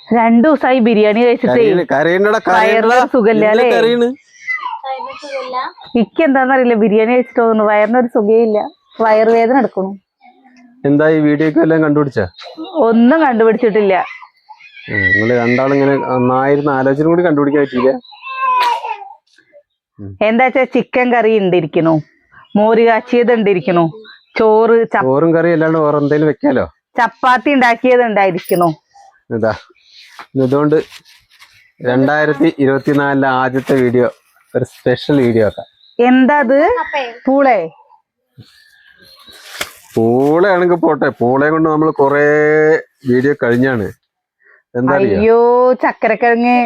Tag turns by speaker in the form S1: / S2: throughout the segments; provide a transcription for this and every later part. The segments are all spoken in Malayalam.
S1: 2 ദിവസമായി ബിരിയാണി കഴിച്ചിട്ടേ സുഖമില്ല. ഇക്ക് എന്താന്നറിയില്ല, ബിരിയാണി കഴിച്ചിട്ട് തോന്നുന്നു വയറിനൊരു സുഖയില്ല, വയറുവേദന എടുക്കണു.
S2: എന്താ ഈ വീഡിയോ എല്ലാം കണ്ടുപിടിച്ച?
S1: ഒന്നും കണ്ടുപിടിച്ചിട്ടില്ല.
S2: നിങ്ങള് രണ്ടാളും ഇങ്ങനെ നന്നായിരുന്നു ആലോചന കൂടി കണ്ടുപിടിക്കാൻ പറ്റില്ല.
S1: എന്താച്ചാ ചിക്കൻ കറി ഉണ്ടിരിക്കണു, മോര് കാച്ചിയത് ഉണ്ടിരിക്കണു, ചോറും
S2: കറി അല്ലാണ്ട് വേറെ എന്തെങ്കിലും വെക്കാലോ.
S1: ചപ്പാത്തി ഉണ്ടാക്കിയത് ഉണ്ടായിരിക്കണു.
S2: ഇതാ ഇതുകൊണ്ട് 2024 ആദ്യത്തെ വീഡിയോ, ഒരു സ്പെഷ്യൽ വീഡിയോ ആക്കാം.
S1: എന്താ അത്?
S2: പൂളയാണെങ്കിൽ പോട്ടെ, പൂളയെ കൊണ്ട് നമ്മൾ കൊറേ വീഡിയോ കഴിഞ്ഞാണ്. എന്താ
S1: അയ്യോ ചക്കരക്കിഴങ്ങ്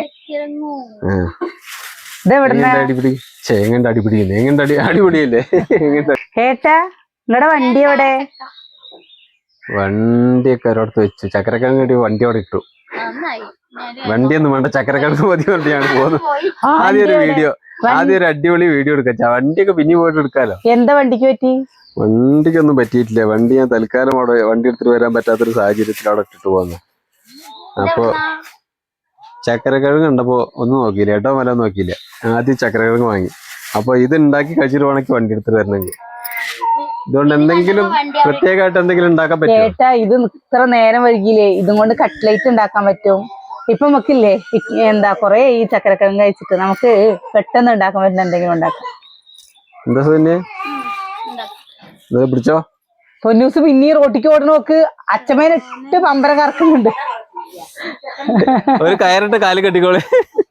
S2: അടിപിടി, ചേങ്ങന്റെ അടിപിടി, അടിപൊളിയല്ലേ
S1: ഏട്ടാ? നിങ്ങടെ വണ്ടി എവിടെ?
S2: വണ്ടിയൊക്കെ ഒരിടത്ത് വെച്ചു. ചക്കരക്കിഴങ്ങ് വണ്ടി അവിടെ ഇട്ടു. വണ്ടിയൊന്നും വേണ്ട, ചക്കരക്കിഴങ്ങ് മതി വണ്ടിയാണ് പോകുന്നത്. ആദ്യം ഒരു വീഡിയോ, ആദ്യം ഒരു അടിപൊളി വീഡിയോ എടുക്കാം. വണ്ടിയൊക്കെ പിന്നെ പോയിട്ട് എടുക്കാലോ.
S1: എന്താ വണ്ടിക്ക് പറ്റി?
S2: വണ്ടിക്കൊന്നും പറ്റിയിട്ടില്ല. വണ്ടി ഞാൻ തൽക്കാലം അവിടെ വണ്ടി എടുത്തിട്ട് വരാൻ പറ്റാത്തൊരു സാഹചര്യത്തിൽ അവിടെ ഇട്ടിട്ട് പോകുന്നു. അപ്പൊ ചക്കരക്കിഴങ്ങ് കണ്ടപ്പോ ഒന്നും നോക്കിയില്ല, ഏട്ടോ വല്ല നോക്കിയില്ല. ആദ്യം ചക്കരക്കിഴങ്ങ് വാങ്ങി. അപ്പൊ ഇത് ഉണ്ടാക്കി കഴിച്ചിട്ട് വേണമെങ്കിൽ വണ്ടി എടുത്തിട്ട് വരണമെങ്കിൽ. ഇതുകൊണ്ട് എന്തെങ്കിലും പ്രത്യേകമായിട്ട് എന്തെങ്കിലും ഉണ്ടാക്കാൻ പറ്റുമോ?
S1: ഏട്ടാ ഇത് ഇത്ര നേരം വൈകിയില്ലേ, ഇതും കൊണ്ട് കട്ട്ലേറ്റ് ഉണ്ടാക്കാൻ പറ്റും. ഇപ്പൊ നമുക്കില്ലേ എന്താ കൊറേ ഈ ചക്കരക്കിഴങ്ങ് കഴിച്ചിട്ട് നമുക്ക് പെട്ടെന്ന് ഉണ്ടാക്കാൻ പറ്റുന്ന എന്തെങ്കിലും ഉണ്ടാക്കാം.
S2: എന്താ സുന്നെ പിടിച്ചോ.
S1: പൊന്നൂസ് പിന്നെ റോട്ടിക്ക് ഓടണ നോക്ക്, അച്ഛമ്മേനിട്ട് പമ്പരം കറക്കുന്നുണ്ട്.
S2: ഒരു കയറിട്ട് കാല് കെട്ടിക്കോളെ.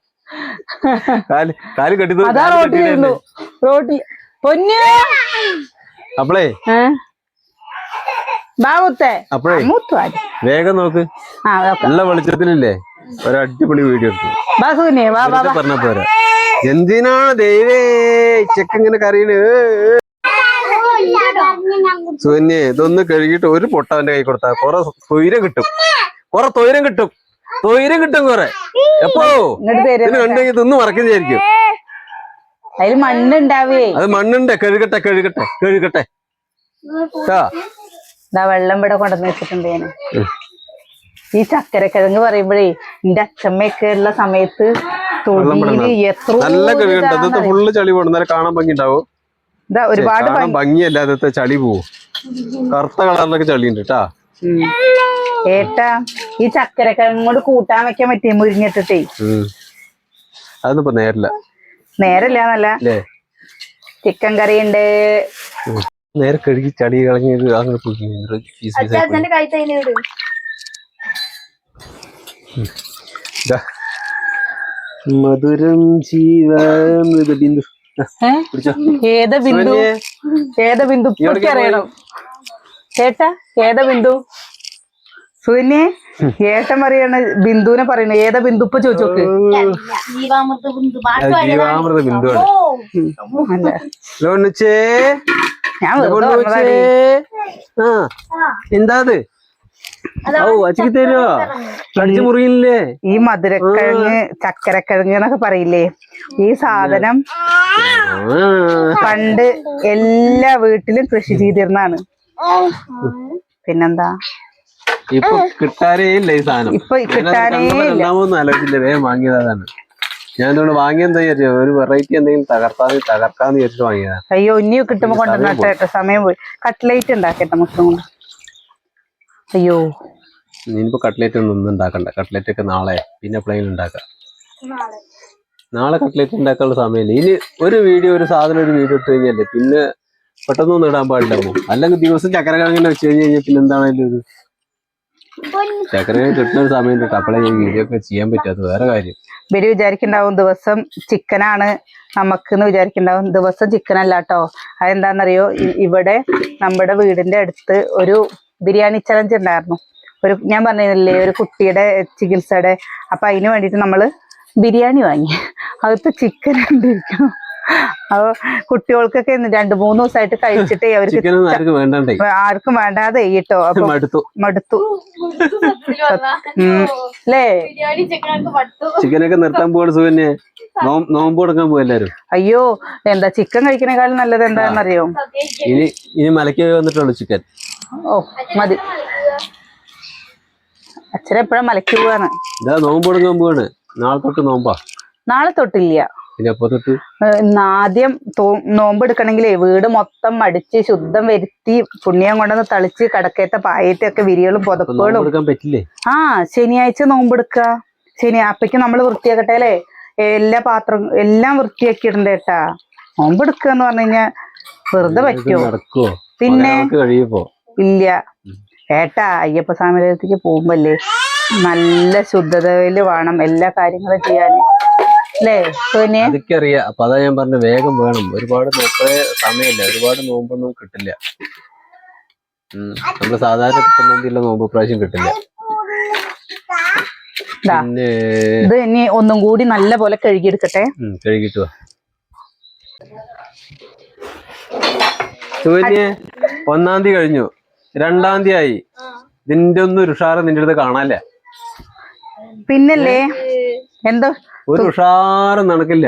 S2: കാല് കെട്ടി
S1: അതാ റോട്ടിലിരുന്നു. റോട്ടി പൊന്നു
S2: അപ്പളേ അപ്പഴേ വേഗം നോക്ക്. നല്ല വെളിച്ചത്തിലില്ലേ ഒരു അടിപൊളി വീഡിയോ എടുത്തു പറഞ്ഞ പോരാ. എന്തിനാണ് ദൈവേ ചെക്കങ്ങനെ കറിയണ്? സുന്നെ ഇതൊന്ന് കഴുകിട്ട് ഒരു പൊട്ട അവന്റെ കൈ കൊടുത്താ കൊറേ തൊയിരം കിട്ടും. കൊറേ എപ്പോ കണ്ടെങ്കിൽ ഇതൊന്നും മറക്കുന്നതായിരിക്കും.
S1: അതിൽ മണ്ണുണ്ടാവേ.
S2: അത് മണ്ണുണ്ട്. കഴുകട്ടെ.
S1: വെള്ളം ഇവിടെ കൊണ്ടുവന്ന് വെച്ചിട്ടുണ്ട് ഞാൻ. ഈ ചക്കരക്കിഴങ്ങ് പറയുമ്പോഴേ എന്റെ അച്ഛമ്മയൊക്കെ ഉള്ള സമയത്ത്
S2: നല്ല കഴുകണ്ട. ഫുള്ള് ചളി പോകണം, എന്നാലും കാണാൻ ഭംഗി ഉണ്ടാവും.
S1: ഒരുപാട്
S2: ഭംഗിയല്ല, അതത്തെ ചളി പോവും. കറുത്ത കളറിലൊക്കെ ചളി ഉണ്ട് കേട്ടാ.
S1: ഏട്ടാ ഈ ചക്കരക്കിഴങ്ങ് കൊണ്ട് കൂട്ടാൻ വെക്കാൻ പറ്റിയ മുരിഞ്ഞിട്ടേ.
S2: അതൊന്നും ഇപ്പൊ
S1: നേരല്ല ചിക്കൻ കറി ഉണ്ട്.
S2: നേരെ കഴുകി ചളി കളഞ്ഞത് മധുരം ജീവമൃത ബിന്ദു.
S1: ഏതാ ബിന്ദു അറിയണം ചേട്ടാ? ഏതാ ബിന്ദു? സുനെ ഏട്ടൻ പറയാണ് ബിന്ദുവിനെ പറയണ. ഏതാ ബിന്ദു ഇപ്പൊ ചോദിച്ചോക്ക്.
S2: ജീവാമൃത ബിന്ദുവാണ്. എന്താ അച്ഛക്ക് തരുവോ? കടിച്ചു മുറിയില്ലേ?
S1: ഈ മധുരക്കിഴങ്ങ് ചക്കരക്കിഴങ്ങ് എന്നൊക്കെ പറയില്ലേ, ഈ സാധനം പണ്ട് എല്ലാ വീട്ടിലും കൃഷി ചെയ്തിരുന്നാണ്. പിന്നെന്താ
S2: ഇപ്പൊ കിട്ടാനേ ഇല്ല ഈ സാധനം.
S1: ഇപ്പൊ കിട്ടാനേ
S2: രണ്ടാമതൊന്നും ആലോചിച്ചില്ല, വേഗം വാങ്ങിയതാണ്. ഞാൻ ഇതുകൊണ്ട് വാങ്ങിയെന്താ വിചാരിച്ചു, ഒരു വെറൈറ്റി എന്തെങ്കിലും തകർക്കാന്ന് വിചാരിച്ചിട്ട് വാങ്ങിയതാണ്.
S1: അയ്യോ ഇനി കിട്ടുമ്പോ കൊണ്ടുവന്നിട്ട് സമയം പോയി. കട്ട്ലേറ്റ് ഉണ്ടാക്കട്ടെ മൊത്തം കൊണ്ട്. അയ്യോ
S2: ഇനിയിപ്പോ കട്ട്ലേറ്റ് ഒന്നും ഉണ്ടാക്കണ്ട. കട്ട്ലേറ്റ് ഒക്കെ നാളെ പിന്നെ പ്ലെയിൻ ഉണ്ടാക്കാം. നാളെ കട്ട്ലേറ്റ് ഉണ്ടാക്കാനുള്ള സമയമില്ല. ഇനി ഒരു വീഡിയോ ഒരു വീഡിയോ ഇട്ട് കഴിഞ്ഞാലേ പിന്നെ പെട്ടെന്നൊന്നും ഇടാൻ പാടില്ലാമോ? അല്ലെങ്കിൽ ദിവസം ചക്കരക്കിഴങ്ങിനെ വെച്ച് കഴിഞ്ഞാൽ പിന്നെ എന്താണേലും ഒരു ചക്കരക്കിഴങ്ങ് കിട്ടുന്ന ഒരു സമയം കിട്ടും. അപ്പോഴേ ഈ വീഡിയോ ഒക്കെ ചെയ്യാൻ പറ്റാത്ത വേറെ കാര്യം.
S1: ഇവര് വിചാരിക്കുന്നുണ്ടാവും ദിവസം ചിക്കനാണ് നമുക്കെന്ന് വിചാരിക്കുന്നുണ്ടാവും. ദിവസം ചിക്കൻ അല്ല കേട്ടോ. അതെന്താണെന്നറിയോ? ഇവിടെ നമ്മുടെ വീടിന്റെ അടുത്ത് ഒരു ബിരിയാണി ചലഞ്ച് ഉണ്ടായിരുന്നു. ഞാൻ പറഞ്ഞില്ലേ ഒരു കുട്ടിയുടെ ചികിത്സയുടെ. അപ്പൊ അതിന് വേണ്ടിയിട്ട് നമ്മള് ബിരിയാണി വാങ്ങി. അകത്ത് ചിക്കൻ കണ്ടിരിക്കും. അപ്പൊ കുട്ടികൾക്കൊക്കെ 2-3 ദിവസമായിട്ട് കഴിച്ചിട്ടേ അവർക്ക് ആർക്കും വേണ്ടാതെ കേട്ടോ. അപ്പൊ മടുത്തു അല്ലേ?
S2: ചിക്കനൊക്കെ നിർത്താൻ പോവാണ് സുകന്യ. നോമ്പ് കൊടുക്കാൻ പോവാ എല്ലാരും.
S1: അയ്യോ എന്താ ചിക്കൻ കഴിക്കണേക്കാളും നല്ലത് എന്താണെന്നറിയോ?
S2: ഇനി മലയ്ക്ക് വന്നിട്ടുള്ളൂ ചിക്കൻ.
S1: ഓ മതി. അച്ഛൻ എപ്പോഴും മലയ്ക്ക് പോവാണ്.
S2: ഇതാ നോമ്പ് പോവാണ്. നാളെ തൊട്ട് നോമ്പാ.
S1: നാളെ തൊട്ടില്ല.
S2: പിന്നെ എപ്പോ തൊട്ട്?
S1: ആദ്യം നോമ്പ് എടുക്കണെങ്കിലേ വീട് മൊത്തം അടിച്ച് ശുദ്ധം വരുത്തി പുണ്യം കൊണ്ടൊന്ന് തളിച്ച് കടക്കത്തെ പായത്തൊക്കെ വിരികളും പുതപ്പുകളും.
S2: പറ്റില്ലേ?
S1: ആ ശനിയാഴ്ച നോമ്പെടുക്ക. അപ്പയ്ക്ക് നമ്മള് വൃത്തിയാക്കട്ടെ. എല്ലാ പാത്രം എല്ലാം വൃത്തിയാക്കി ഇടണ്ടേട്ടാ. നോമ്പെടുക്കുക എന്ന് പറഞ്ഞു കഴിഞ്ഞാ വെറുതെ പറ്റുമോ? പിന്നെ ഇല്ല ഏട്ടാ. അയ്യപ്പ സ്വാമിക്ക് പോകുമ്പല്ലേ നല്ല ശുദ്ധതയില് വേണം എല്ലാ കാര്യങ്ങളും ചെയ്യാൻ അല്ലേ?
S2: അതൊക്കെ അറിയാം. അപ്പൊ അതാ ഞാൻ പറഞ്ഞ വേഗം വേണം. ഒരുപാട് സമയമില്ല, ഒരുപാട് നോമ്പൊന്നും കിട്ടില്ല. നമ്മള് സാധാരണ കിട്ടുന്ന നോമ്പ് പ്രാവശ്യം കിട്ടില്ല. പിന്നെ
S1: ഇത് ഇനി ഒന്നും കൂടി നല്ല പോലെ കഴുകിയെടുക്കട്ടെ.
S2: കഴുകിട്ട് സൂര്യ 1-ാം തീയതി കഴിഞ്ഞു, 2-ാം തീയതി ആയി. ഇതിന്റെ ഒന്നും ഒരു ഉഷാറ് നിന്റെ അടുത്ത് കാണാല്ല.
S1: പിന്നല്ലേ എന്തോ
S2: ഒരു ഉഷാറും നടക്കില്ല.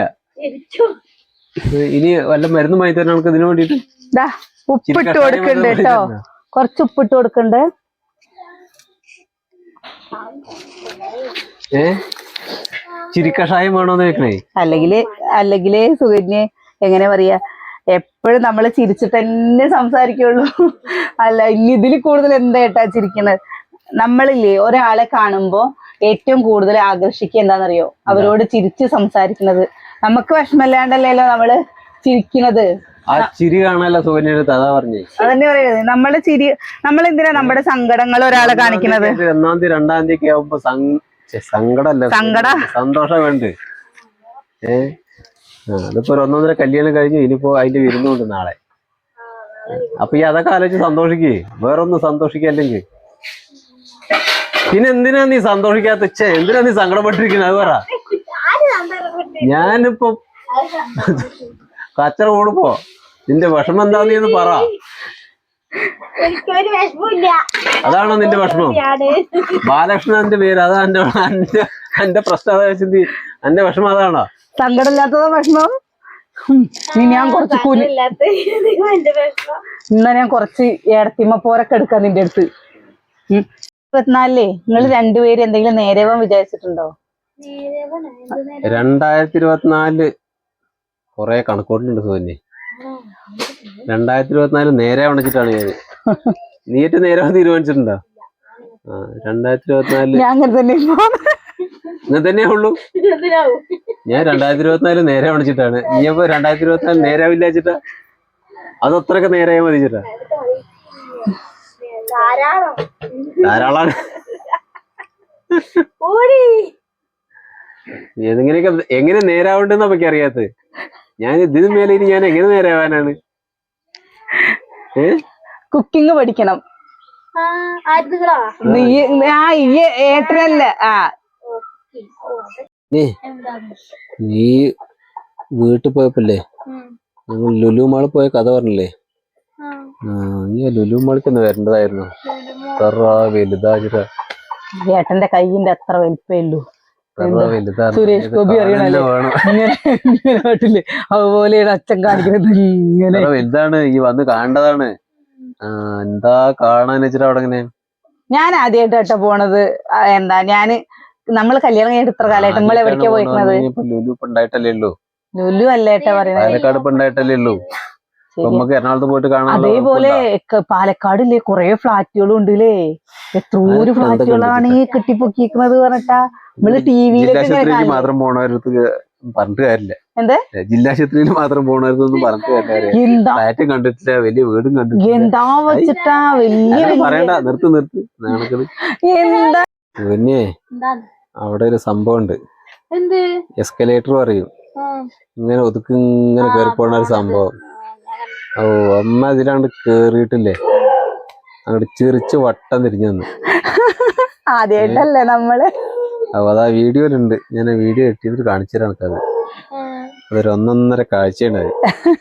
S2: ഇനി വല്ല മരുന്ന് വാങ്ങി തരാൻ നമുക്ക് ഇതിനു വേണ്ടിട്ട്.
S1: ഉപ്പിട്ട് കൊടുക്കണ്ട് കേട്ടോ, കൊറച്ച് ഉപ്പിട്ട് കൊടുക്കണ്ട്.
S2: ചിരിക്കഷായം വേണോന്ന് ചോദിക്കണേ.
S1: അല്ലെങ്കിലേ സുകന്യെ എങ്ങനെ പറയാ, എപ്പോഴും നമ്മള് ചിരിച്ചിട്ട് തന്നെ സംസാരിക്കുള്ളൂ. അല്ല ഇനി ഇതിൽ കൂടുതൽ എന്താ ഏട്ടാ ചിരിക്കണത്? നമ്മളില്ലേ ഒരാളെ കാണുമ്പോ ഏറ്റവും കൂടുതൽ ആകർഷിക്കുക എന്താണെന്നറിയോ? അവരോട് ചിരിച്ച് സംസാരിക്കുന്നത്. നമുക്ക് വിഷമല്ലാണ്ടല്ലോ നമ്മള് ചിരിക്കുന്നത്.
S2: ആ ചിരി കാണാനല്ല സുകന്യ അതാ പറഞ്ഞേ.
S1: അതന്നെ പറയുന്നത്. നമ്മളെന്തിനാ നമ്മുടെ സങ്കടങ്ങൾ ഒരാളെ കാണിക്കുന്നത്?
S2: 1-ാം തീയതി 2-ാം തീയതി ഒക്കെ ആവുമ്പോ സന്തോഷം വേണ്ട. അതിപ്പോ 1-1.5 കല്യാണം കഴിഞ്ഞു. ഇനിയിപ്പോ അതിന്റെ വിരുന്നുണ്ട് നാളെ. അപ്പൊ ഈ അതൊക്കെ ആലോചിച്ച് സന്തോഷിക്കേ. വേറൊന്നും സന്തോഷിക്കല്ലെങ്കിൽ പിന്നെ എന്തിനാ നീ സന്തോഷിക്കാത്ത? എന്തിനാ നീ സങ്കടപ്പെട്ടിരിക്കുന്നത്? അത് പറ. ഞാനിപ്പോ കച്ചറ കൂടുമ്പോ നിന്റെ വിഷമം എന്താ നീ എന്ന് പറ. അതാണോ നിന്റെ വിഷമം? ബാലകൃഷ്ണന്റെ പേര് അതാ എന്റെ പ്രശ്നം. അതാ വെച്ചത് എന്റെ വിഷമം അതാണോ?
S1: സങ്കടമില്ലാത്തതോ വിഷമം? ഞാൻ കുറച്ച് ഇന്നാ ഞാൻ കുറച്ച് ഏടത്തിമ്മ പോരൊക്കെ എടുക്കാം നിന്റെ അടുത്ത്. 24 നിങ്ങൾ രണ്ടുപേരും എന്തെങ്കിലും നേരവൻ വിചാരിച്ചിട്ടുണ്ടോ?
S2: 2024 കൊറേ കണക്കോട്ടുണ്ട് സോന്നി. 2024 നേരെ വണിച്ചിട്ടാണ് ഞാൻ. നീറ്റ് നേരെ തീരുമാനിച്ചിട്ടുണ്ടോ? 2024
S1: അങ്ങനെ തന്നെ
S2: അങ്ങനെ തന്നെയേ ഉള്ളൂ. ഞാൻ 2024 നേരെ വണിച്ചിട്ടാണ്. നീ അപ്പൊ 2024 നേരാവില്ല വെച്ചിട്ടാ? അത് അത്രയൊക്കെ നേരായ മതി ചേട്ടാ. ധാരാളാണ്. ഏതെങ്ങനെയൊക്കെ എങ്ങനെ നേരാവണ്ടെന്ന് നമുക്ക് അറിയാത്തത്. ഞാൻ ഇതിന് മേലെ ഇനി ഞാൻ എങ്ങനെ നേരാവാനാണ്?
S1: കുക്കിംഗ് പഠിക്കണം. ഏട്ടനല്ല.
S2: നീ വീട്ടിൽ പോയപ്പോല്ലേ ഞങ്ങൾ ലുലു മാളിൽ പോയ കഥ പറഞ്ഞില്ലേ? നീ ലുലു മാളിക്കൊന്ന് വരേണ്ടതായിരുന്നു. വലുതാ.
S1: ഏട്ടന്റെ കൈയിന്റെ അത്ര വലിപ്പേ ഉള്ളൂ. സുരേഷ് ഗോപി അറിയണല്ലേ നാട്ടില്, അതുപോലെയാണ് അച്ഛൻ കാണിക്കുന്നത്. ഇങ്ങനെ
S2: വലുതാണ്. ഈ വന്ന് കാണേണ്ടതാണ്. എന്താ കാണാൻ വെച്ചിട്ട് അവിടെ ഇങ്ങനെ.
S1: ഞാൻ ആദ്യമായിട്ട് കേട്ടോ പോണത്. എന്താ നമ്മള് കല്യാണം കഴിഞ്ഞിട്ട് ഇത്ര കാലമായിട്ട് നമ്മൾ എവിടേക്കാ പോയിരിക്കുന്നത്?
S2: ലുലു ഉണ്ടായിട്ടല്ലേ ഉള്ളൂ.
S1: ലുലു അല്ലേട്ടാ പറയുന്നത്.
S2: പാലക്കാട് ഉണ്ടായിട്ടല്ലേ ഉള്ളൂ. നമുക്ക് എറണാകുളത്ത് പോയിട്ട് കാണാം.
S1: അതേപോലെ പാലക്കാടില്ലേ കൊറേ ഫ്ലാറ്റുകളും ഉണ്ടല്ലേ. എത്രയോ ഫ്ലാറ്റുകളാണ് ഈ കെട്ടിപ്പൊക്കിക്കുന്നത് പറഞ്ഞിട്ടാ നമ്മള് ടിവിയിലേക്ക്
S2: മാത്രം പോണവർക്ക് പറഞ്ഞിട്ട് കാര്യമില്ല.
S1: എന്ത്
S2: ജില്ലാശുപത്രിയിൽ മാത്രം പോണവർക്കൊന്നും പറഞ്ഞിട്ട് കാര്യമില്ല. ഫ്ലാറ്റും കണ്ടിട്ടില്ല, വലിയ വീടും കണ്ടിട്ടില്ല.
S1: എന്താ വെച്ചിട്ടാ വലിയ
S2: പറയണ്ട. നിർത്ത് നാണക്കള്.
S1: എന്താ
S2: പിന്നെ അവിടെ ഒരു സംഭവം ഉണ്ട്. എസ്കലേറ്റർ പറയും. ഇങ്ങനെ ഒതുക്കി ഇങ്ങനെ കയറി പോണ ഒരു സംഭവം. ഓ അമ്മ ഇതിലാണ്ട് കേറിയിട്ടില്ലേ, അങ്ങോട്ട് ചിറിച്ച് വട്ടം തിരിഞ്ഞു വന്നു.
S1: ആദ്യമായിട്ടല്ലേ നമ്മള്.
S2: അപ്പൊ അതാ വീഡിയോയിലുണ്ട്. ഞാൻ ആ വീഡിയോ എട്ടിയിട്ട് കാണിച്ചു തരാം. നമുക്കത് അതൊരു 1.5 കാഴ്ചയുണ്ടായി.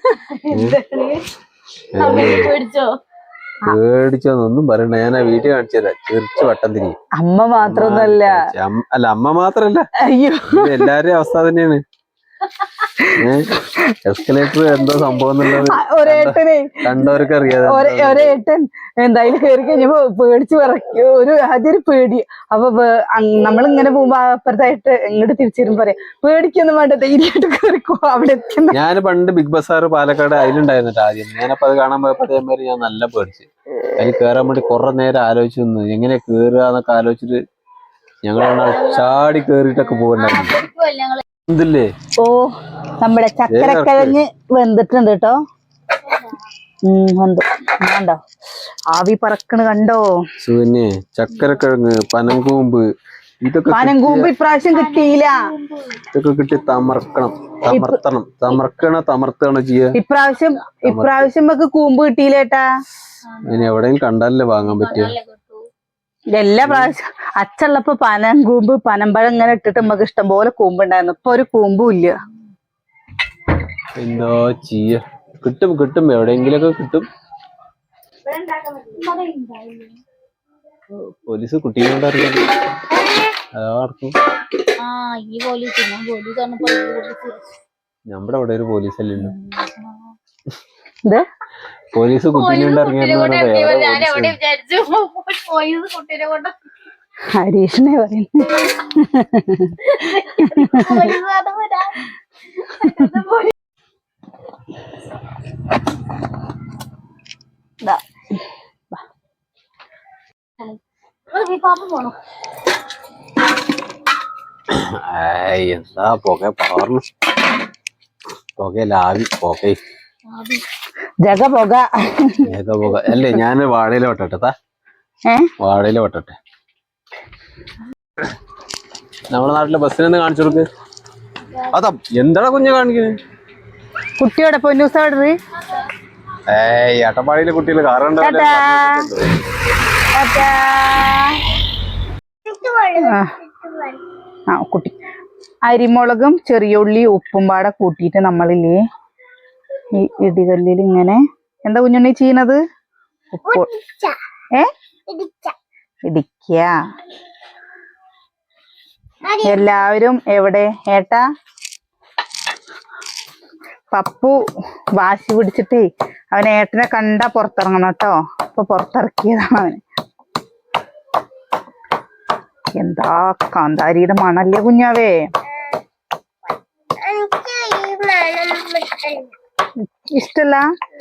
S2: പേടിച്ചോന്നൊന്നും പറയണ്ട. ഞാൻ ആ വീഡിയോ കാണിച്ചു തരാം. ചിറിച്ച് വട്ടം തിരിയും.
S1: അമ്മ മാത്രമൊന്നുമല്ല.
S2: അല്ല അമ്മ മാത്രല്ല,
S1: അയ്യോ
S2: എല്ലാവരുടെയും അവസ്ഥ തന്നെയാണ്. എസ്കലേറ്റർ എന്തോ സംഭവം എന്നുള്ളത്
S1: ഒരേട്ടനെ
S2: കണ്ടവർക്ക് അറിയാതെ
S1: ഒരേട്ടൻ എന്തായാലും കയറി കഴിഞ്ഞപ്പോ പേടിച്ച് വിറയ്ക്കും. ആദ്യം ഒരു പേടി. അപ്പൊ നമ്മളിങ്ങനെ പോകുമ്പോ അപ്പുറത്തായിട്ട് ഇങ്ങോട്ട് തിരിച്ചിരുന്ന് പറയാം, പേടിക്കൊന്നും വേണ്ട, ധൈര്യമായിട്ട് കയറിക്കോ അവിടെ എത്തുന്ന.
S2: ഞാൻ പണ്ട് ബിഗ് ബസാർ പാലക്കാട് അതിലുണ്ടായിരുന്നിട്ട് ആദ്യം. ഞാനപ്പോ അത് കാണാൻ പോയപ്പോ അതേമാതിരി ഞാൻ നല്ല പേടിച്ച് അതിൽ കയറാൻ വേണ്ടി കുറെ നേരം ആലോചിച്ച് നിന്ന് എങ്ങനെ കേറുക എന്നൊക്കെ ആലോചിച്ചിട്ട് ഞങ്ങൾ ചാടി കേറിയിട്ടൊക്കെ പോകണ്ടായിരുന്നു. എന്തില്ലേ
S1: ഓ നമ്മുടെ ചക്കരക്കിഴങ്ങ് വെന്തിട്ടുണ്ട് കേട്ടോ. വെന്തു കണ്ടോ, ആവി പറക്കണ് കണ്ടോ.
S2: സുകന്യെ ചക്കരക്കിഴങ്ങ്, പനങ്കൂമ്പ്, ഇതൊക്കെ
S1: പനങ്കൂമ്പ് ഇപ്രാവശ്യം കിട്ടിയില്ല.
S2: ഇതൊക്കെ കിട്ടി തമർത്തണോ ചെയ്യാ.
S1: ഇപ്രാവശ്യം നമുക്ക് കൂമ്പ് കിട്ടിയില്ലേട്ടാ.
S2: ഇനി എവിടെയും കണ്ടാലല്ലേ വാങ്ങാൻ പറ്റിയ.
S1: എല്ലാ പ്രാവശ്യം അച്ചുള്ളപ്പോ പനങ്കൂമ്പ് പനമ്പഴം ഇങ്ങനെ ഇട്ടിട്ട് നമുക്ക് ഇഷ്ടം പോലെ കൂമ്പുണ്ടായിരുന്നു. ഇപ്പൊ ഒരു കൂമ്പും ഇല്ല.
S2: എന്തോ ചെയ്യ. കിട്ടും എവിടെയെങ്കിലൊക്കെ കിട്ടും. പോലീസ് കുട്ടീനോട് അറിയാം. നമ്മുടെ അവിടെ ഒരു പോലീസല്ലേ ഉള്ളു. പോലീസ് കുട്ടീനോട്
S1: ഹരീഷിനെ പറയുന്നു.
S2: എന്താ പുക പാർന്നു. പുകയിലാവി പുക
S1: ജഗ പുക
S2: അല്ലേ. ഞാൻ വാഴയില വെട്ടട്ടെ. വാഴയില വെട്ടട്ടെ. നമ്മുടെ നാട്ടിലെ ബസ്സിനൊന്ന് കാണിച്ചു കൊടുക്ക്. അതാ എന്താണ് കുഞ്ഞ് കാണിക്കുന്നത്.
S1: കുട്ടിയോടെ പൊന്നൂസ ഓർഡർ.
S2: അട്ടപ്പാടിയിലെ കുട്ടികൾ കാറുണ്ടാവില്ല.
S1: കുട്ടി അരിമുളകും ചെറിയ ഉള്ളി ഉപ്പും പാടെ കൂട്ടിയിട്ട് നമ്മളില്ലേ ഈ ഇടികല്ലിൽ ഇങ്ങനെ എന്താ കുഞ്ഞുണ്ണി ചെയ്യണത്. ഉപ്പ് ഇടിക്ക. എല്ലാവരും എവിടെ ഏട്ടാ. പപ്പു വാശി പിടിച്ചിട്ടേ അവൻ ഏട്ടനെ കണ്ടാ പുറത്തിറങ്ങണം കേട്ടോ. അപ്പൊ പുറത്തിറക്കിയതാണ് അവന്. എന്താ കാന്താരിയുടെ മണല്ലേ കുഞ്ഞാവേ. ഇഷ്ടല്ല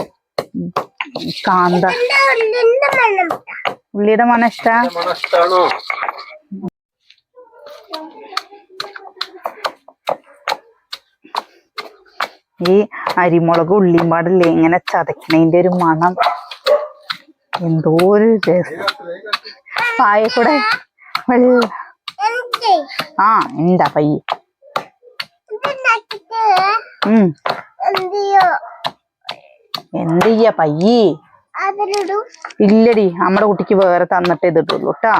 S1: കാന്ത ഉള്ളിയുടെ മണം ഇഷ്ടാണോ. ഈ അരിമുളക് ഉള്ളിയും പാടില്ലേ ഇങ്ങനെ ചതക്കണതിന്റെ ഒരു മണം എന്തോ ഒരു രസം. പായ കൂടെ ഉണ്ടാ പയ്യ. എന്ത് ചെയ്യാ പയ്യേ. ഇല്ലടി നമ്മുടെ കുട്ടിക്ക് വേറെ തന്നിട്ടേ ഇതിട്ടുള്ളൂ കേട്ടാ.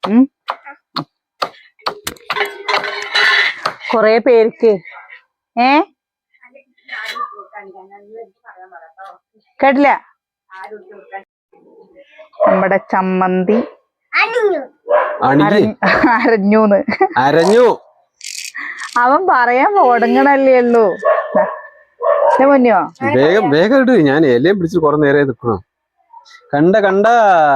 S1: കൊറേ പേർക്ക് കേട്ടില്ല. നമ്മുടെ ചമ്മന്തി
S2: അരഞ്ഞു.
S1: അവൻ പറയാൻ തുടങ്ങണല്ലേ ഉള്ളൂ. മുന്നോ
S2: വേഗം ഇട്. ഞാൻ ഇലയും പിടിച്ച് കുറെ നേരെ നിൽക്കണം. കണ്ടു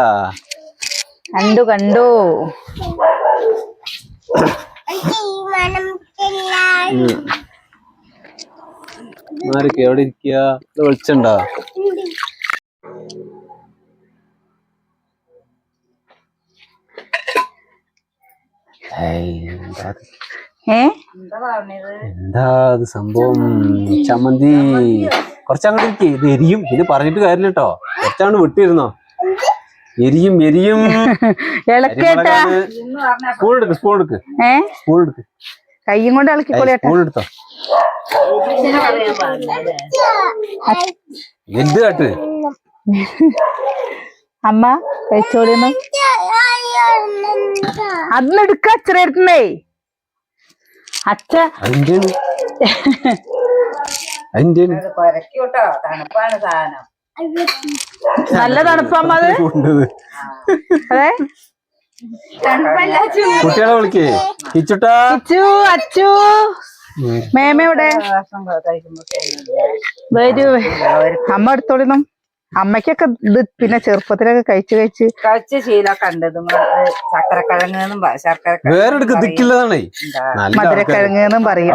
S2: ആരൊക്കെ എവിടെ ഇരിക്കുക. വിളിച്ചുണ്ടാ എന്താ അത് സംഭവം. ചമ്മന്തി കുറച്ചങ്ങോട്ട് ഇരിക്കേ. ഇത് എരിയും. ഇത് പറഞ്ഞിട്ട് കാര്യമില്ല കേട്ടോ. കുറച്ചങ്ങോട്ട് വിട്ടിരുന്നോ. എരിയും സ്പൂൺ എടുക്ക്.
S1: കയ്യും കൊണ്ട് ഇളക്കിക്കോളി.
S2: സ്പൂൺ എടുത്തോ. എന്ത് കാട്ട്
S1: അമ്മ കഴിച്ചോളിന്ന്. അന്നെടുക്ക അച്ഛനേ. അച്ഛ നല്ല തണുപ്പമ്മ. അത് അതെ.
S2: കുട്ടികളെ വിളിക്കേ.
S1: അച്ചു മേമ എവിടെ വരൂ അമ്മ എടുത്തോളിനും അമ്മയ്ക്കൊക്കെ ഇത് പിന്നെ ചെറുപ്പത്തിലൊക്കെ കഴിച്ച്
S3: ശീലമൊക്കെ ഉണ്ട് ചക്കരക്കിഴങ്ങെന്നും ശർക്കര
S2: വേറെ ദിക്കില്ലതാണേ
S1: മധുരക്കിഴങ്ങ് എന്നും പറയും.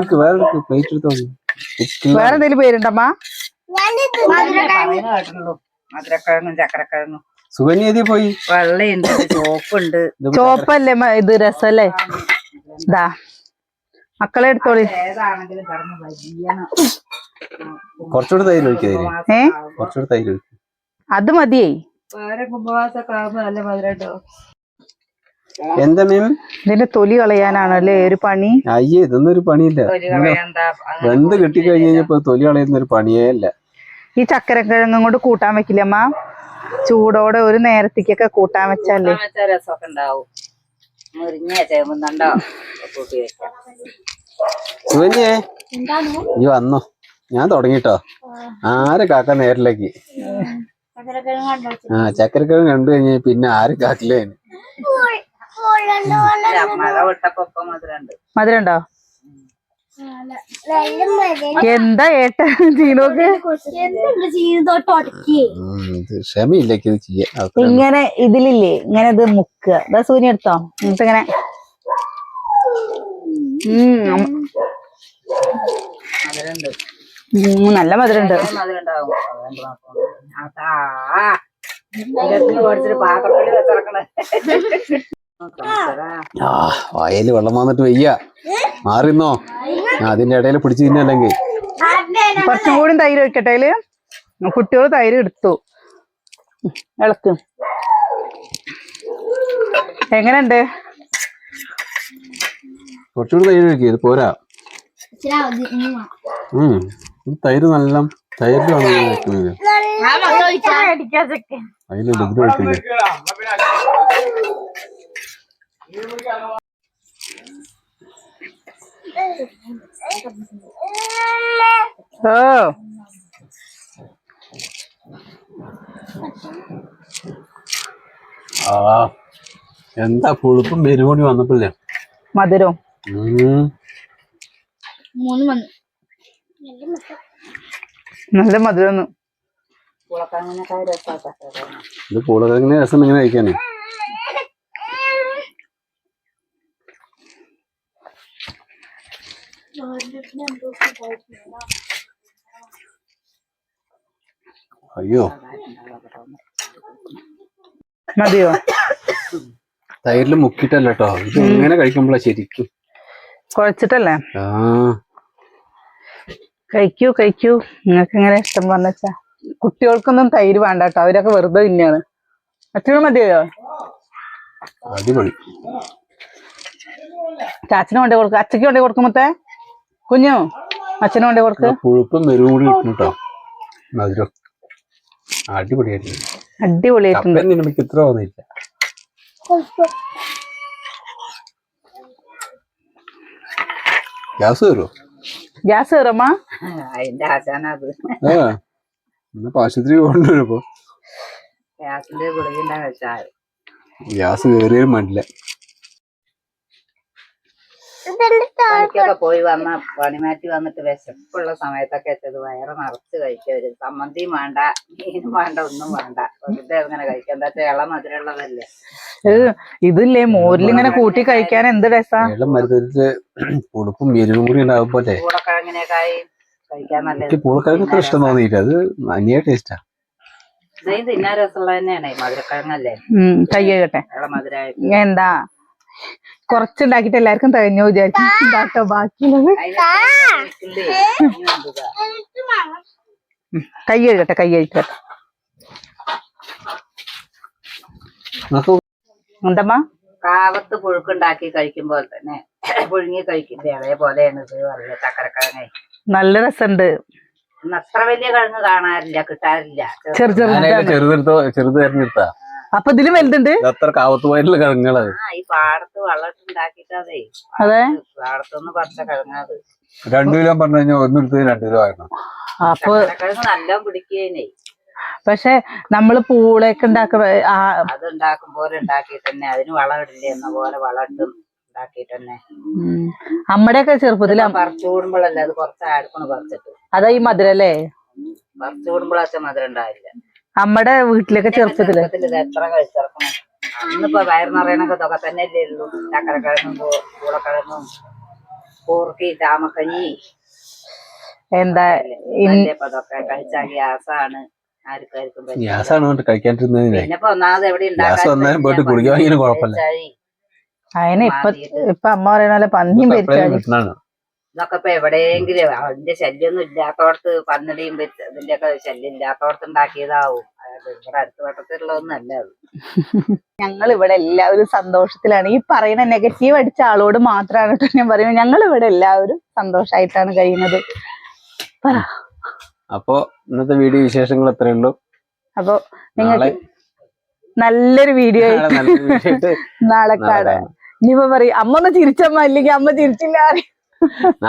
S1: വേറെ എന്തെങ്കിലും പേരുണ്ടമ്മ?
S3: കേട്ടുള്ളൂ മധുരക്കിഴങ്ങും ചക്കരക്കിഴങ്ങും.
S2: സുകന്യ പോയി
S3: വെള്ളയുണ്ട്, ചോപ്പുണ്ട്.
S1: ചോപ്പല്ലേ ഇത് രസല്ലേ? ഇതാ മക്കളെ എടുത്തോളി.
S3: ഏതാണെങ്കിലും കടന്ന് വലിയണം.
S2: കുറച്ചുകൂടി തൈര് ഒഴിക്കാതില്ലേ? കുറച്ചുകൂടി തൈര് ഒഴിക്കും.
S1: അത് മതിയേ.
S3: വേറെ കുംഭവാസൊക്കെ ആകുമ്പോ നല്ല മധുരട്ടോ.
S2: എന്താ മീൻ?
S1: ഇതിന്റെ തൊലി കളയാനാണല്ലേ ഒരു പണി?
S2: അയ്യേ, ഇതൊന്നും ഒരു പണിയില്ല. വെന്ത് കിട്ടിക്കഴിഞ്ഞപ്പോ തൊലി കളയുന്ന ഒരു പണിയേ അല്ല.
S1: ഈ ചക്കരക്കിഴങ്ങും കൊണ്ട് കൂട്ടാൻ വെക്കില്ല അമ്മ? ചൂടോടെ ഒരു നേരത്തേക്കൊക്കെ കൂട്ടാൻ വെച്ചാലേ
S3: രസമൊക്കെ ഉണ്ടാവും. മുരിഞ്ഞ ചേമ്പുന്നുണ്ടോ കൂട്ടി വെക്കാം.
S2: സുകന്യേ ഈ വന്നോ, ഞാൻ തുടങ്ങിട്ടോ. ആരെ കാക്ക നേരിലേക്ക് ചക്കരക്കിഴങ്ങ് കണ്ടു കഴിഞ്ഞ പിന്നെ ആര് കാക്കില്ലേ?
S3: മഴ വിട്ടപ്പോ മധുരണ്ട്.
S1: മധുരണ്ടോ? എന്താ ഏട്ട ചീനോക്ക്
S2: ക്ഷമയില്ലേക്ക് ഇത് ചെയ്യാൻ.
S1: ഇങ്ങനെ ഇതിലില്ലേ ഇങ്ങനെ ഇത് മുക്കുക. ഇതാ സൂര്യ എടുത്തോ എന്നിട്ട് ഇങ്ങനെ
S3: മധുരണ്ട്.
S1: നല്ല മധുരണ്ട്.
S3: മധുരണ്ടാവും. പാത്രത്തിൽ വെച്ചിറക്കണേ.
S2: വായല് വെള്ളം വന്നിട്ട് വയ്യ, മാറിന്നോ. അതിന്റെ ഇടയിൽ പിടിച്ചു തിന്നല്ലെങ്കിൽ.
S1: കുറച്ചും കൂടി തൈര് വെക്കട്ടെ അതില്. കുട്ടികൾ തൈര് എടുത്തു. ഇളക്കും. എങ്ങനെയുണ്ട്?
S2: കുറച്ചുകൂടി തൈര് വെക്കുക, ഇത് പോരാ. തൈര് നല്ല തൈരിലാണ് വെക്കുന്നത്. അതിലുണ്ട് ഇതിന് വെക്കുന്നത്.
S1: ഓ
S2: എന്താ പുളിപ്പും പെരുകൂടി വന്നപ്പോഴേ
S1: മധുരം നല്ല മധുരം.
S2: ഇത് പൂളക്കിഴങ്ങിന് രസം ഇങ്ങനെ കഴിക്കാനേ. അയ്യോ
S1: മതിയോ?
S2: തൈരില് മുക്കിട്ടല്ല കേട്ടോ, ഇത് ഇങ്ങനെ കഴിക്കുമ്പോഴാ ശരിക്കും.
S1: കുഴച്ചിട്ടല്ലേ?
S2: ആ
S1: കഴിക്കൂ കഴിക്കൂ, നിങ്ങൾക്ക് എങ്ങനെ ഇഷ്ടം പറഞ്ഞാ. കുട്ടികൾക്കൊന്നും തൈര് വേണ്ട കേട്ടോ, അവരൊക്കെ വെറുതെ തന്നെയാണ്. അച്ഛനും മതിയോ?
S2: അടിപൊളി.
S1: ചാച്ചന് കൊണ്ടേ കൊടുക്ക, അച്ഛക്ക് കൊണ്ടേ കൊടുക്കുമ്പത്തേ കുഞ്ഞു അച്ഛനും കൊണ്ടേ കൊടുക്ക.
S2: പുഴുപ്പും മെരുവും കൂടി കിട്ടും കേട്ടോ, മധുരം അടിപൊളിയായിട്ടുണ്ട്.
S1: അടിപൊളിയായിട്ടുണ്ട്.
S2: എനിക്ക് ഇത്ര തോന്നിയില്ല. ഗ്യാസ് കയറുമോ?
S1: ഗ്യാസ് കയറമ്മ?
S3: അതിന്റെ ആശാനത്.
S2: ആശുപത്രി കൊണ്ടുവരുമ്പോ
S3: ഗ്യാസിന്റെ ഗുളിക വെച്ചാൽ
S2: ഗ്യാസ് കയറിയാലും വേണ്ടില്ല.
S3: പണിക്കൊക്കെ പോയി വന്ന പണിമാറ്റി വന്നിട്ട് വിശപ്പുള്ള സമയത്തൊക്കെ വെച്ചത് വയറ് നിറച്ച് കഴിക്കവര്. സമ്മന്തിയും വേണ്ട, മീനും വേണ്ട, ഒന്നും വേണ്ട, വെറുതെ അങ്ങനെ കഴിക്കാം. എന്താ വെച്ചാൽ ഇളം മധുരമുള്ളതല്ലേ.
S1: ഇതില്ലേ മോരിലിങ്ങനെ കൂട്ടി കഴിക്കാൻ എന്ത് രസാ.
S2: ഇളം മരുന്നിട്ട് പുളിപ്പും എരിവും കൂടി ഉണ്ടാകുമ്പോലെ
S3: പൂളക്കിഴങ്ങിനേക്കായി കഴിക്കാൻ നല്ല.
S2: പൂളക്കിഴങ്ങ് ഇത്ര ഇഷ്ടം തോന്നിയില്ല, അത് അന്യ ടേസ്റ്റാ.
S3: ഇതേം തിന്നാൻ രസമുള്ള തന്നെയാണ് മധുരക്കിഴങ്ങല്ലേ.
S1: കൈ കഴിയട്ടെ.
S3: ഇളം മധുരമായിട്ട്
S1: എന്താ കൊറച്ചുണ്ടാക്കിട്ട് എല്ലാവർക്കും തികഞ്ഞു വിചാരിക്കും. ഇതാട്ടോ ബാക്കിയുള്ളത്. കൈ കഴുകട്ടെ, കൈ കഴിക്കട്ടെ. എന്തമ്മ?
S3: കാവത്ത് പുഴുക്കുണ്ടാക്കി കഴിക്കുമ്പോൾ തന്നെ പുഴുങ്ങി കഴിക്കുന്നത് അതേപോലെയാണ് ഇത് പറയുക. ചക്കരക്കിഴങ്ങ്
S1: നല്ല രസമുണ്ട്.
S3: അത്ര വലിയ കിഴങ്ങ് കാണാറില്ല, കിട്ടാറില്ല.
S2: ചെറുത് തെരഞ്ഞെടുത്താ.
S1: അപ്പൊ ഇതിലും വലുതുണ്ട്.
S2: അത്ര കാവത്തുപോയിട്ടുള്ള കിഴങ്ങുകളത്.
S3: ഈ പാടത്ത് വെള്ളത്തിണ്ടാക്കിട്ടതേ.
S1: അതെ,
S3: പാടത്തൊന്ന് പറിച്ച കിഴങ്ങത്.
S2: 2 കിലോ പറഞ്ഞു കഴിഞ്ഞാൽ ഒന്നെടുത്ത് 2 കിലോ ആയിരുന്നു.
S1: അപ്പൊ
S3: കിഴങ്ങ് നല്ല പിടിക്കേനേ.
S1: പക്ഷെ നമ്മള് പൂളയൊക്കെ
S3: അത് ഉണ്ടാക്കും പോലെ ഉണ്ടാക്കി തന്നെ അതിന് വളം ഇടില്ല എന്ന പോലെ വളം ഇട്ടും ഉണ്ടാക്കിയിട്ട് തന്നെ
S1: അമ്മയുടെയൊക്കെ ചെറുപ്പത്തില്
S3: പറിച്ചു കൂടുമ്പോഴല്ലേ അത് കുറച്ച് അടുക്കണ് പറിച്ചിട്ട്
S1: അതാ ഈ മധുരല്ലേ
S3: പറിച്ചു കൂടുമ്പോഴാച്ച മധുരം ഉണ്ടാവില്ല.
S1: അമ്മയുടെ വീട്ടിലൊക്കെ ചെറുപ്പത്തില്
S3: ഇത് എത്ര കഴിച്ചിറക്കണം. അന്നിപ്പോ വയറ് നിറയണൊക്കെ ഇതൊക്കെ തന്നെ അല്ലേ ഉള്ളൂ. ചക്കരക്കിഴങ്ങും പൂളക്കിഴങ്ങും കൂർക്കി ചാമക്കഞ്ഞി
S1: എന്താ
S3: ഇപ്പൊ അതൊക്കെ കഴിച്ചാൽ ഗ്യാസാണ്. ആർക്കാർക്കും
S2: ഗ്യാസാണ് കഴിക്കാണ്ടിരുന്നതിനെ.
S3: പിന്നെ ഇപ്പൊ ഒന്നാമത് എവിടെ
S1: അതിന് ഇപ്പൊ അമ്മ പറയുന്ന പോലെ പന്നിയും പെരിച്ചാഴി
S3: ഇതൊക്കെ ഇപ്പൊ എവിടെയെങ്കിലും അതിന്റെ ശല്യമൊന്നും ഇല്ലാത്തോടത്ത് പന്നിടിയും ഇതിന്റെ ഒക്കെ ശല്യം ഇല്ലാത്തോടത്ത് ഉണ്ടാക്കിയതാവും. ഇവിടെ അടുത്ത വട്ടത്തിലുള്ളതൊന്നല്ല അത്.
S1: ഞങ്ങൾ ഇവിടെ എല്ലാവരും സന്തോഷത്തിലാണ്. ഈ പറയുന്ന നെഗറ്റീവ് അടിച്ച ആളോട് മാത്രമാണ് കേട്ടോ ഞാൻ പറയുന്നത്. ഞങ്ങൾ ഇവിടെ എല്ലാവരും സന്തോഷായിട്ടാണ് കഴിയുന്നത്.
S2: അപ്പൊ ഇന്നത്തെ വീഡിയോ വിശേഷങ്ങൾ എത്രയേ ഉള്ളൂ.
S1: അപ്പൊ നിങ്ങൾക്ക് നല്ലൊരു വീഡിയോ നാളെ കാണാം. ഇനിയിപ്പോ പറയും അമ്മ ഒന്ന് ചിരിച്ചമ്മ, അല്ലെങ്കിൽ അമ്മ ചിരിച്ചില്ല.